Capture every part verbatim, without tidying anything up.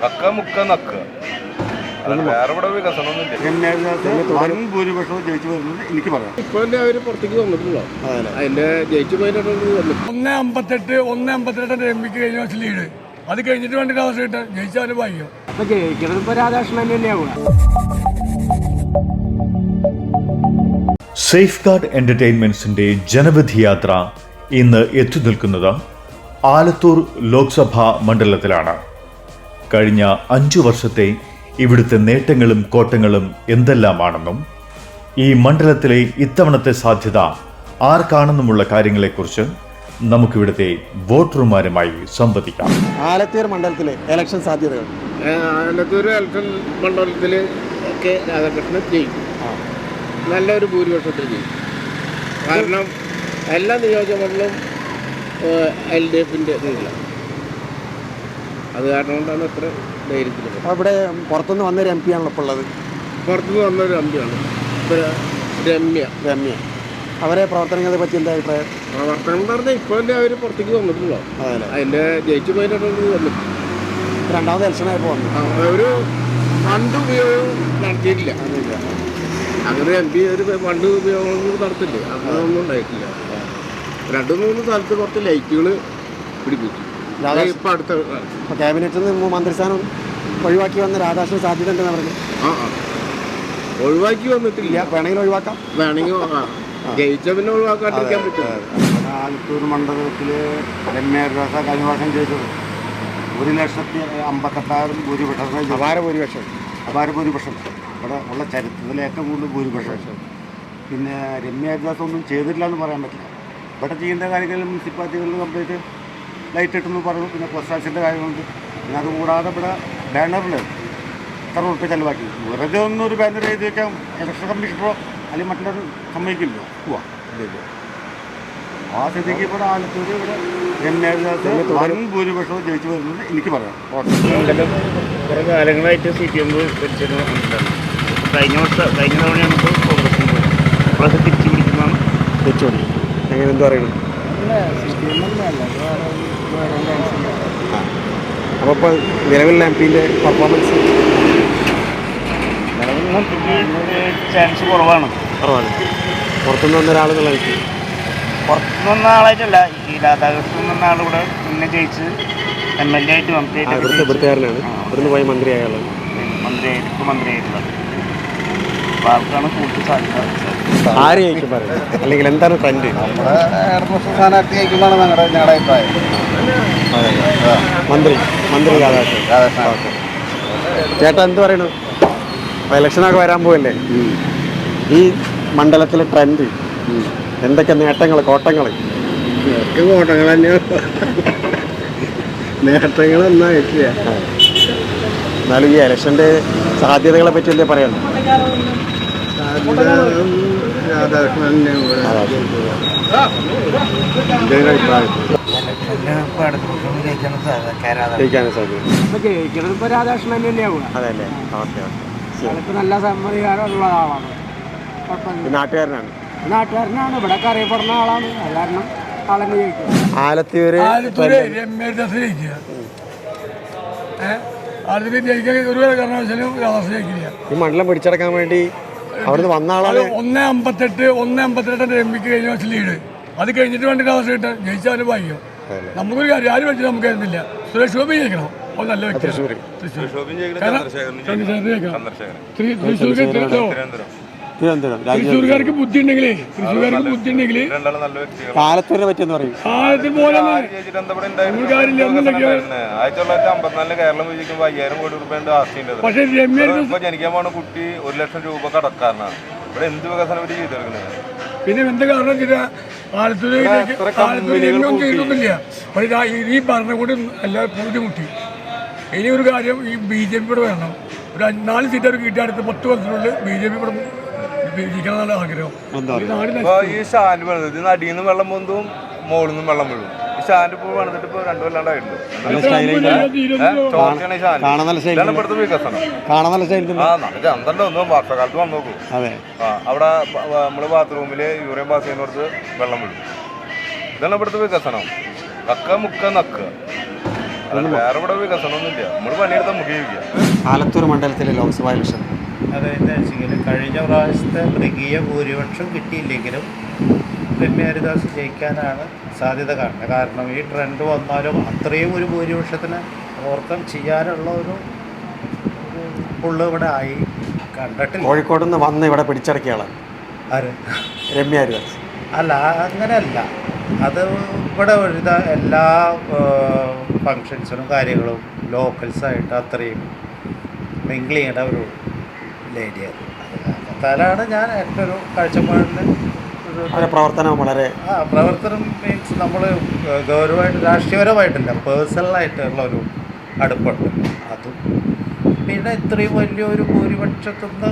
കക്ക മുക്ക നക്ക വേറെ ഇവിടെ വികസനമൊന്നുമില്ല. ഭൂരിപക്ഷവും ജയിച്ചു വരുന്നത് എനിക്ക് പറയാം. ഇപ്പൊ അവർ പുറത്തേക്ക് വന്നിട്ടുള്ളൂ. അതിന്റെ ജയിച്ചു പോയിട്ട് ഒന്ന് അമ്പത്തെട്ട് ഒന്ന് അമ്പത്തെട്ട് എം പിക്ക് കഴിഞ്ഞ വർഷം ലീഡ്. അത് കഴിഞ്ഞിട്ട് വേണ്ടി അവസ്ഥ കിട്ടാൻ ജയിച്ചാലും ഭാഗ്യം. അപ്പൊ ജയിക്കുന്നത് ഇപ്പൊ രാധാകൃഷ്ണൻ തന്നെയാവും. സേഫ് ഗാർഡ് എന്റർടൈൻമെന്റ്സിന്റെ ജനവിധി യാത്ര ഇന്ന് എത്തി നിൽക്കുന്നത് ആലത്തൂർ ലോക്സഭാ മണ്ഡലത്തിലാണ്. കഴിഞ്ഞ അഞ്ചു വർഷത്തെ ഇവിടുത്തെ നേട്ടങ്ങളും കോട്ടങ്ങളും എന്തെല്ലാമാണെന്നും ഈ മണ്ഡലത്തിലെ ഇത്തവണത്തെ സാധ്യത ആർക്കാണെന്നുമുള്ള കാര്യങ്ങളെക്കുറിച്ച് നമുക്കിവിടുത്തെ വോട്ടർമാരുമായി സംവദിക്കാം. ആലത്തൂർ മണ്ഡലത്തിലെ ഇലക്ഷൻ സാധ്യതകൾ. ആലത്തൂർ ഇലക്ഷൻ മണ്ഡലത്തിൽ ഒക്കെ രാധാകൃഷ്ണൻ ജയിക്കും. നല്ലൊരു ഭൂരിപക്ഷത്തിൽ ജയിക്കും. കാരണം എല്ലാ നിയോജകമണ്ഡലവും എൽ ഡി എഫിൻ്റെ ഇതിലാണ്. അത് കാരണം കൊണ്ടാണ് അത്ര ധൈര്യത്തിൽ. ഇവിടെ പുറത്തുനിന്ന് വന്നൊരു എം പി ആണല്ലോ ഇപ്പോൾ ഉള്ളത്. പുറത്തുനിന്ന് വന്നൊരു എം പി ആണ് രമ്യ രമ്യ അവരെ പ്രവർത്തനങ്ങളെ പറ്റി എന്താ അഭിപ്രായം? പ്രവർത്തനം എന്ന് പറഞ്ഞാൽ ഇപ്പോൾ തന്നെ അവർ പുറത്തേക്ക് വന്നിട്ടുള്ളൂ. അതിൻ്റെ ജയിച്ചു പോയിട്ട് വന്നിട്ട് രണ്ടാമത് ഇലക്ഷനായപ്പോൾ വന്നു. ഒരു ഫണ്ട് ഉപയോഗം നടത്തിയിട്ടില്ല. അങ്ങനെ എം പി ഒരു ഫണ്ട് ഉപയോഗങ്ങൾ നടത്തില്ലേ, അങ്ങനെയൊന്നും ഉണ്ടായിട്ടില്ല. രണ്ട് മൂന്ന് സ്ഥലത്ത് കുറച്ച് ലൈറ്റുകൾ പിടിപ്പിച്ചു. ഇപ്പം അടുത്ത ഇപ്പോൾ ക്യാബിനറ്റിൽ നിന്ന് മന്ത്രിസ്ഥാനം ഒഴിവാക്കി വന്ന രാധാകൃഷ്ണൻ സാധ്യത ഉണ്ടെന്ന് പറഞ്ഞു. ആ ആ ഒഴിവാക്കി വന്നിട്ടില്ല. വേണമെങ്കിൽ ഒഴിവാക്കാം. വേണമെങ്കിൽ ജയിച്ച പിന്നെ ഒഴിവാക്കാണ്ടിരിക്കാൻ പറ്റില്ല. ആലത്തൂർ മണ്ഡലത്തിൽ രമ്യ രാസ കഴിഞ്ഞ വർഷം ജയിച്ചത് ഒരു ലക്ഷത്തി അമ്പത്തെട്ടായിരം ഭൂരിപക്ഷം. അപാര ഭൂരിപക്ഷം അപാര ഭൂരിപക്ഷം ഇവിടെ ഉള്ള ചരിത്രത്തിലെ ഏറ്റവും കൂടുതൽ ഭൂരിപക്ഷം. പിന്നെ രമ്യ ഹരിദാസ് ഒന്നും ചെയ്തിട്ടില്ല എന്ന് പറയാൻ പറ്റില്ല. ഇവിടെ ചെയ്യേണ്ട കാര്യങ്ങളിൽ മുനിസിപ്പാലിറ്റികളിൽ കംപ്ലീറ്റ് ലൈറ്റ് ഇട്ടെന്ന് പറഞ്ഞു. പിന്നെ പൊസ്റ്റാക്സിൻ്റെ കാര്യങ്ങളുണ്ട്. പിന്നെ അതുകൂടാതെ ഇവിടെ ബാനറിൽ എത്ര ഉറുപ്പ് ചിലവാക്കി. വെറുതെ ഒന്നും ഒരു ബാനർ എഴുതി വയ്ക്കാം ഇലക്ഷൻ കമ്മീഷണറോ അല്ലെങ്കിൽ മറ്റുള്ളവർ സമ്മതിക്കില്ലോ. പോവാ ആ സ്ഥിതിക്ക് ഇവിടെ ആലത്തൂർ ഇവിടെ രമ്യ ഹരിദാസ് വൻ ഭൂരിപക്ഷവും ജയിച്ചു വരുന്നത് എനിക്ക് പറയാം. കുറേ കാലങ്ങളായിട്ട് സി പി എം ഭരിച്ചിരുന്ന മണ്ഡലമാണ്. കഴിഞ്ഞ വർഷം കഴിഞ്ഞ തവണയാണ് ഇപ്പോൾ കോൺഗ്രസിന് പോയത്. ഇപ്പോഴൊക്കെ തിരിച്ചു പിടിക്കുന്നതാണ്. തിരിച്ചു പിടിക്കും. എങ്ങനെ എന്ത് പറയുന്നത്? അപ്പോൾ ഇപ്പോൾ നിലവിലുള്ള എം പിൻ്റെ പെർഫോമൻസ് നിലവിലുള്ള എം പിക്ക് ചാൻസ് കുറവാണ് കുറവാണ് പുറത്തുനിന്ന് വന്ന ഒരാളെന്നുള്ള എനിക്ക് പുറത്തുനിന്ന് വന്ന ആളായിട്ടല്ല. ഈ രാധാകൃഷ്ണൻ എന്ന ആളിവിടെ മുന്നേ ജയിച്ച് എം എൽ എ ആയിട്ട് മന്ത്രിയായിട്ട് ഇവിടുത്തുകാരനാണ്. ഇവിടുന്ന് പോയി മന്ത്രിയായുള്ളത്. മന്ത്രിയായിട്ട് ഇപ്പോൾ മന്ത്രിയായിട്ടുള്ളത്. അപ്പോൾ ആൾക്കാണ് കൂടുതൽ സാധ്യത. ആര് ജയിക്കും പറയും, അല്ലെങ്കിൽ എന്താണ് ട്രെൻഡ്? സ്ഥാനാർത്ഥി ജയിക്കുമ്പോഴാണ് ഞങ്ങളുടെ ഞങ്ങളുടെ അഭിപ്രായം. മന്ത്രി മന്ത്രി രാധാകൃഷ്ണൻ. ചേട്ടാ എന്ത് പറയണു? അപ്പോൾ ഇലക്ഷനൊക്കെ വരാൻ പോവല്ലേ? ഈ മണ്ഡലത്തിലെ ട്രെൻഡ് എന്തൊക്കെ നേട്ടങ്ങൾ കോട്ടങ്ങൾ? കോട്ടങ്ങൾ തന്നെയാണ്. നേട്ടങ്ങൾ ഒന്നായിട്ടില്ല. എന്നാലും ഈ ഇലക്ഷൻ്റെ സാധ്യതകളെ പറ്റി അല്ലേ പറയണം? ജയിക്കാനും സാധ്യത. ഇപ്പൊ ജയിക്കുന്നത് ഇപ്പൊ രാധാകൃഷ്ണൻ തന്നെയാവും. അതല്ലേ? ഓക്കെ ഇപ്പൊ നല്ല സമ്മതികാരമുള്ള ആളാണ്. കുഴപ്പമില്ല. നാട്ടുകാരനാണ് നാട്ടുകാരനാണ്. ഇവിടെ അറിയപ്പെടുന്ന ആളാണ്. അത് കാരണം ആളെന്നെ ജയിക്കും. ആലത്തൂര് ആലത്തൂര് രമ്യ ഹരിദാസ് ജയിക്കുക. ഏഹ് ആലത്തൂര് ജയിക്കാൻ ഒരു കാരണവശാലും രാധാകൃഷ്ണൻ ജയിക്കില്ല. ഈ മണ്ഡലം പിടിച്ചടക്കാൻ വേണ്ടി അവിടുന്ന് വന്ന ആളാണ്. ഒന്ന് അമ്പത്തെട്ട് ഒന്ന് അമ്പത്തെട്ട് എം പിക്ക് കഴിഞ്ഞ വർഷം ലീഡ്. അത് കഴിഞ്ഞിട്ട് വേണ്ടി അവസ്ഥ കിട്ടാൻ ജയിച്ചാലും ഭാഗ്യം. നമുക്കൊരു കാര്യം ആരും വെച്ചാൽ നമുക്ക് തരുന്നില്ല. സുരേഷ് ഗോപി ജയിക്കണം. അത് നല്ല വ്യക്തി. തൃശ്ശൂർ തൃശ്ശൂർക്കാർക്ക് ബുദ്ധി ഉണ്ടെങ്കിലേ തൃശ്ശൂർക്കാർക്ക് ബുദ്ധി ഉണ്ടെങ്കിൽ ആലത്തൂരിനെ പറ്റിയെന്ന് പറയും. ആദ്യത്തെ പോലെ പക്ഷേ രമ്യ ജനിക്കാൻ പോണ കുട്ടി ഒരു ലക്ഷം രൂപ കടക്കാരനാണ്. ഇവിടെ എന്ത് വികസനം ഇവർ ചെയ്തെടുക്കുന്നത്? പിന്നെ എന്താ കാരണം വെച്ചാൽ ആലത്തൂര് ആലത്തൂരിലൊന്നും ചെയ്തൊന്നുമില്ല. പക്ഷേ ഈ ഭരണകൂടം എല്ലാവരും ബുദ്ധിമുട്ടി. ഇനി ഒരു കാര്യം, ഈ ബി ജെ പി ഇവിടെ വേണം. ഒരു നാല് സീറ്റ് അവർ കിട്ടിയ അടുത്ത് പത്ത് വർഷത്തിനുള്ളിൽ ബി ജെ പി ഇവിടെ ജയിക്കണമെന്നാണ് ആഗ്രഹം. ഈ സ്റ്റാൻഡ് വേണത് ഇത് അടിയിൽ നിന്ന് വെള്ളം പൊന്തും മുകളിൽ നിന്നും വെള്ളം വീഴും. ഈ സ്റ്റാൻഡ് ഇപ്പോൾ വേണത്തിട്ട് ഇപ്പോൾ രണ്ടു കൊല്ലാണ്ടായിട്ടുണ്ട്. ഇവിടുത്തെ വികസനം ആ ചന്തണ്ട ഒന്നും വർഷക്കാലത്ത് വന്നു നോക്കൂ. അവിടെ നമ്മള് ബാത്റൂമില് യൂറിയൻ പാസ് ചെയ്യുന്നിടത്ത് വെള്ളം വീഴും. ഇതാണ് ഇവിടുത്തെ വികസനം. കക്ക മുക്ക നക്ക അല്ലാതെ വേറെ ഇവിടെ വികസനമൊന്നുമില്ല. നമ്മൾ പണിയെടുത്താൽ നമുക്ക് ജീവിക്കാം. ആലത്തൂർ മണ്ഡലത്തിലെ ലോക്സഭാ ഇലക്ഷൻ അതെന്താ വെച്ചെങ്കിൽ കഴിഞ്ഞ പ്രാവശ്യത്തെ മൃഗീയ ഭൂരിപക്ഷം കിട്ടിയില്ലെങ്കിലും രമ്യ ഹരിദാസ് ജയിക്കാനാണ് സാധ്യത കാണുന്നത്. കാരണം ഈ ട്രെൻഡ് വന്നാലും അത്രയും ഒരു ഭൂരിപക്ഷത്തിന് ഓവർകം ചെയ്യാനുള്ള ഒരു പുള്ള് ഇവിടെ ആയി കണ്ടിട്ടില്ല. കോഴിക്കോട് നിന്ന് വന്ന് ഇവിടെ പിടിച്ചടക്കിയ ആളാണ് ആര്? രമ്യ ഹരിദാസ്. അല്ല, അങ്ങനെയല്ല. അത് ഇവിടെ ഒരു എല്ലാ ഫങ്ഷൻസിനും കാര്യങ്ങളും ലോക്കൽസായിട്ട് അത്രയും മിങ്കിൾ ചെയ്യേണ്ട ഒരു ലേഡിയാണ്. അതാലാണ് ഞാൻ എൻ്റെ ഒരു കാഴ്ചപ്പാടിൽ അവരുടെ പ്രവർത്തനം വളരെ ആ പ്രവർത്തനം മീൻസ് നമ്മൾ ഗൗരവമായിട്ട് രാഷ്ട്രീയപരമായിട്ടല്ല, പേഴ്സണലായിട്ടുള്ള ഒരു അടുപ്പുണ്ട്. അതും പിന്നെ ഇത്രയും വലിയൊരു ഭൂരിപക്ഷത്തുനിന്ന്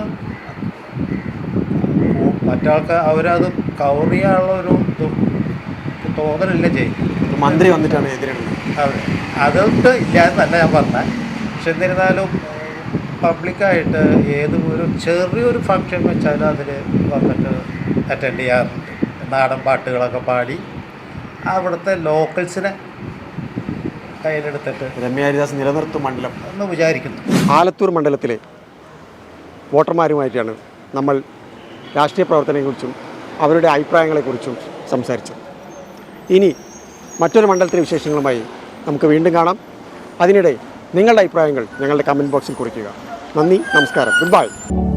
മറ്റാൾക്ക് അവരത് കവർ ചെയ്യാനുള്ള ഒരു ഇതും തോന്നലില്ല ചെയ്യും. മന്ത്രി വന്നിട്ടാണ് എതിരിടുന്നത്. അതെ, അതുകൊണ്ട് ഇല്ലാന്നല്ല ഞാൻ പറഞ്ഞത്. പക്ഷെ എന്നിരുന്നാലും പബ്ലിക്കായിട്ട് ഏത് ഒരു ചെറിയൊരു ഫങ്ഷൻ വെച്ചാലും അതിൽ വന്നിട്ട് അറ്റൻഡ് ചെയ്യാറുണ്ട്. നാടൻ പാട്ടുകളൊക്കെ പാടി അവിടുത്തെ ലോക്കൽസിനെ കയ്യിലെടുത്തിട്ട് രമ്യ ഹരിദാസ് നിലനിർത്തും മണ്ഡലം എന്ന് വിചാരിക്കുന്നു. ആലത്തൂർ മണ്ഡലത്തിലെ വോട്ടർമാരുമായിട്ടാണ് നമ്മൾ രാഷ്ട്രീയ പ്രവർത്തനത്തെക്കുറിച്ചും അവരുടെ അഭിപ്രായങ്ങളെക്കുറിച്ചും സംസാരിച്ചത്. ഇനി മറ്റൊരു മണ്ഡലത്തിലെ വിശേഷങ്ങളുമായി നമുക്ക് വീണ്ടും കാണാം. അതിനിടെ നിങ്ങളുടെ അഭിപ്രായങ്ങൾ ഞങ്ങളുടെ കമൻറ്റ് ബോക്സിൽ കുറിക്കുക. നന്ദി, നമസ്കാരം, ഗുഡ് ബൈ.